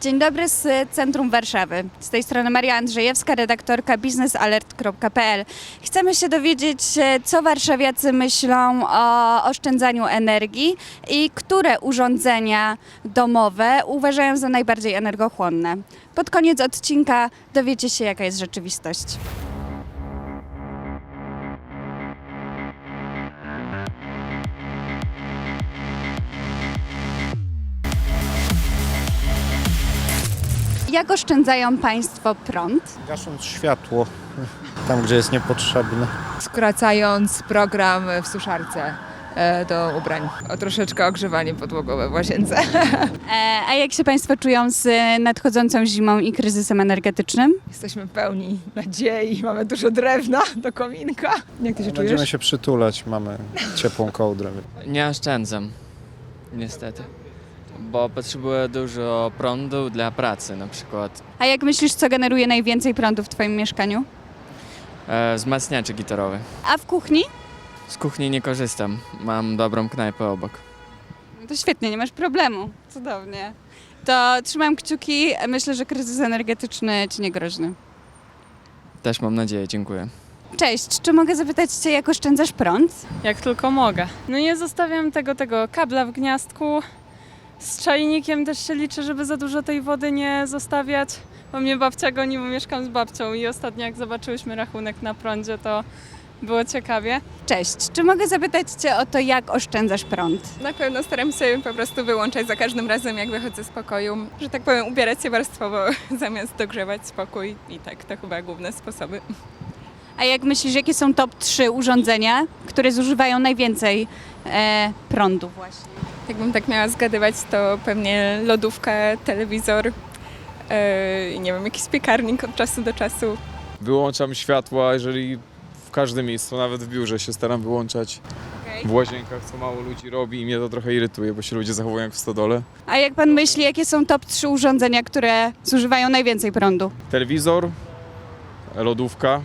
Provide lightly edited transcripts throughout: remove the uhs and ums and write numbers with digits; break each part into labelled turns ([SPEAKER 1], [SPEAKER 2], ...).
[SPEAKER 1] Dzień dobry z centrum Warszawy. Z tej strony Maria Andrzejewska, redaktorka biznesalert.pl. Chcemy się dowiedzieć, co warszawiacy myślą o oszczędzaniu energii i które urządzenia domowe uważają za najbardziej energochłonne. Pod koniec odcinka dowiecie się, jaka jest rzeczywistość. Jak oszczędzają Państwo prąd?
[SPEAKER 2] Gasząc światło tam, gdzie jest niepotrzebne.
[SPEAKER 3] Skracając program w suszarce do ubrań. O troszeczkę ogrzewanie podłogowe w łazience.
[SPEAKER 1] A jak się Państwo czują z nadchodzącą zimą i kryzysem energetycznym?
[SPEAKER 3] Jesteśmy pełni nadziei, mamy dużo drewna do kominka. Jak ty się
[SPEAKER 2] Będziemy
[SPEAKER 3] czujesz?
[SPEAKER 2] się przytulać, mamy ciepłą kołdrę.
[SPEAKER 4] Nie oszczędzam, niestety, bo potrzebuję dużo prądu dla pracy na przykład.
[SPEAKER 1] A jak myślisz, co generuje najwięcej prądu w Twoim mieszkaniu?
[SPEAKER 4] Wzmacniacze gitarowe.
[SPEAKER 1] A w kuchni?
[SPEAKER 4] Z kuchni nie korzystam, mam dobrą knajpę obok.
[SPEAKER 1] No to świetnie, nie masz problemu. Cudownie. To trzymam kciuki, myślę, że kryzys energetyczny Ci nie groźny.
[SPEAKER 4] Też mam nadzieję, dziękuję.
[SPEAKER 1] Cześć, czy mogę zapytać Cię, jak oszczędzasz prąd?
[SPEAKER 5] Jak tylko mogę. No nie zostawiam tego kabla w gniazdku. Z czajnikiem też się liczę, żeby za dużo tej wody nie zostawiać. Bo mnie babcia goni, bo mieszkam z babcią i ostatnio jak zobaczyłyśmy rachunek na prądzie, to było ciekawie.
[SPEAKER 1] Cześć, czy mogę zapytać Cię o to, jak oszczędzasz prąd?
[SPEAKER 6] Na pewno staram się po prostu wyłączać za każdym razem, jak wychodzę z pokoju. Że tak powiem, ubierać się warstwowo zamiast dogrzewać spokój. I tak, to chyba główne sposoby.
[SPEAKER 1] A jak myślisz, jakie są top 3 urządzenia, które zużywają najwięcej prądu właśnie?
[SPEAKER 6] Jakbym tak miała zgadywać, to pewnie lodówka, telewizor, i nie wiem, jakiś piekarnik od czasu do czasu.
[SPEAKER 7] Wyłączam światła, jeżeli w każdym miejscu, nawet w biurze się staram wyłączać. W łazienkach, co mało ludzi robi i mnie to trochę irytuje, bo się ludzie zachowują jak w stodole.
[SPEAKER 1] A jak Pan myśli, jakie są top 3 urządzenia, które zużywają najwięcej prądu?
[SPEAKER 7] Telewizor, lodówka,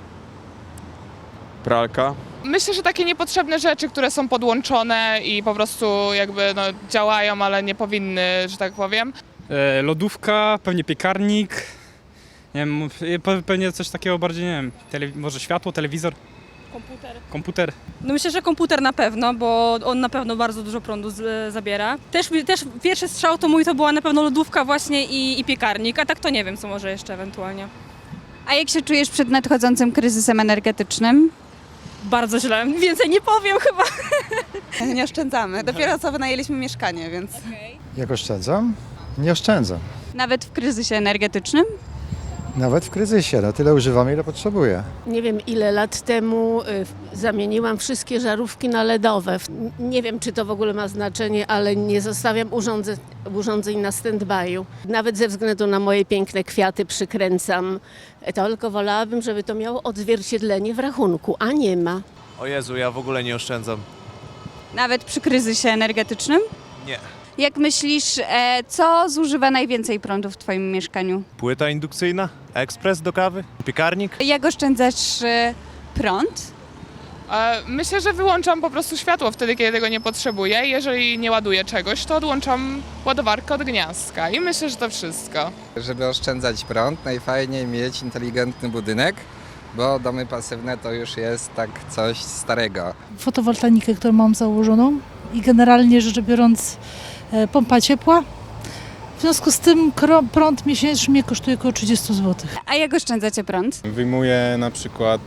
[SPEAKER 7] pralka.
[SPEAKER 8] Myślę, że takie niepotrzebne rzeczy, które są podłączone i po prostu jakby działają, ale nie powinny, że tak powiem.
[SPEAKER 9] Lodówka, pewnie piekarnik, nie wiem, pewnie coś takiego bardziej, nie wiem, może światło, telewizor, komputer.
[SPEAKER 5] No myślę, że komputer na pewno, bo on na pewno bardzo dużo prądu zabiera. Też pierwszy strzał to mój to była na pewno lodówka właśnie i piekarnik, a tak to nie wiem, co może jeszcze ewentualnie.
[SPEAKER 1] A jak się czujesz przed nadchodzącym kryzysem energetycznym?
[SPEAKER 5] Bardzo źle, więcej nie powiem chyba.
[SPEAKER 10] Nie oszczędzamy. Dopiero co wynajęliśmy mieszkanie, więc...
[SPEAKER 2] Jak oszczędzam? Nie oszczędzam.
[SPEAKER 1] Nawet w kryzysie energetycznym?
[SPEAKER 2] Nawet w kryzysie, na tyle używam, ile potrzebuję.
[SPEAKER 11] Nie wiem, ile lat temu zamieniłam wszystkie żarówki na LEDowe. Nie wiem, czy to w ogóle ma znaczenie, ale nie zostawiam urządzeń na stand-by'u. Nawet ze względu na moje piękne kwiaty przykręcam. To tylko wolałabym, żeby to miało odzwierciedlenie w rachunku, a nie ma.
[SPEAKER 12] O Jezu, ja w ogóle nie oszczędzam.
[SPEAKER 1] Nawet przy kryzysie energetycznym?
[SPEAKER 12] Nie.
[SPEAKER 1] Jak myślisz, co zużywa najwięcej prądu w Twoim mieszkaniu?
[SPEAKER 12] Płyta indukcyjna, ekspres do kawy, piekarnik.
[SPEAKER 1] Jak oszczędzasz prąd?
[SPEAKER 8] Myślę, że wyłączam po prostu światło wtedy, kiedy tego nie potrzebuję. Jeżeli nie ładuję czegoś, to odłączam ładowarkę od gniazdka i myślę, że to wszystko.
[SPEAKER 13] Żeby oszczędzać prąd, najfajniej mieć inteligentny budynek, bo domy pasywne to już jest tak coś starego.
[SPEAKER 14] Fotowoltaikę, którą mam założoną i generalnie rzecz biorąc pompa ciepła. W związku z tym prąd miesięcznie mnie kosztuje około 30 zł.
[SPEAKER 1] A jak oszczędzacie prąd?
[SPEAKER 7] Wyjmuję na przykład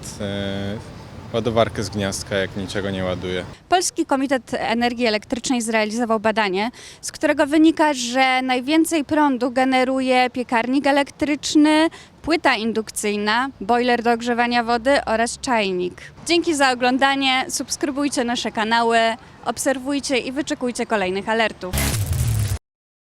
[SPEAKER 7] ładowarkę z gniazdka, jak niczego nie ładuję.
[SPEAKER 1] Polski Komitet Energii Elektrycznej zrealizował badanie, z którego wynika, że najwięcej prądu generuje piekarnik elektryczny, płyta indukcyjna, bojler do ogrzewania wody oraz czajnik. Dzięki za oglądanie, subskrybujcie nasze kanały, obserwujcie i wyczekujcie kolejnych alertów.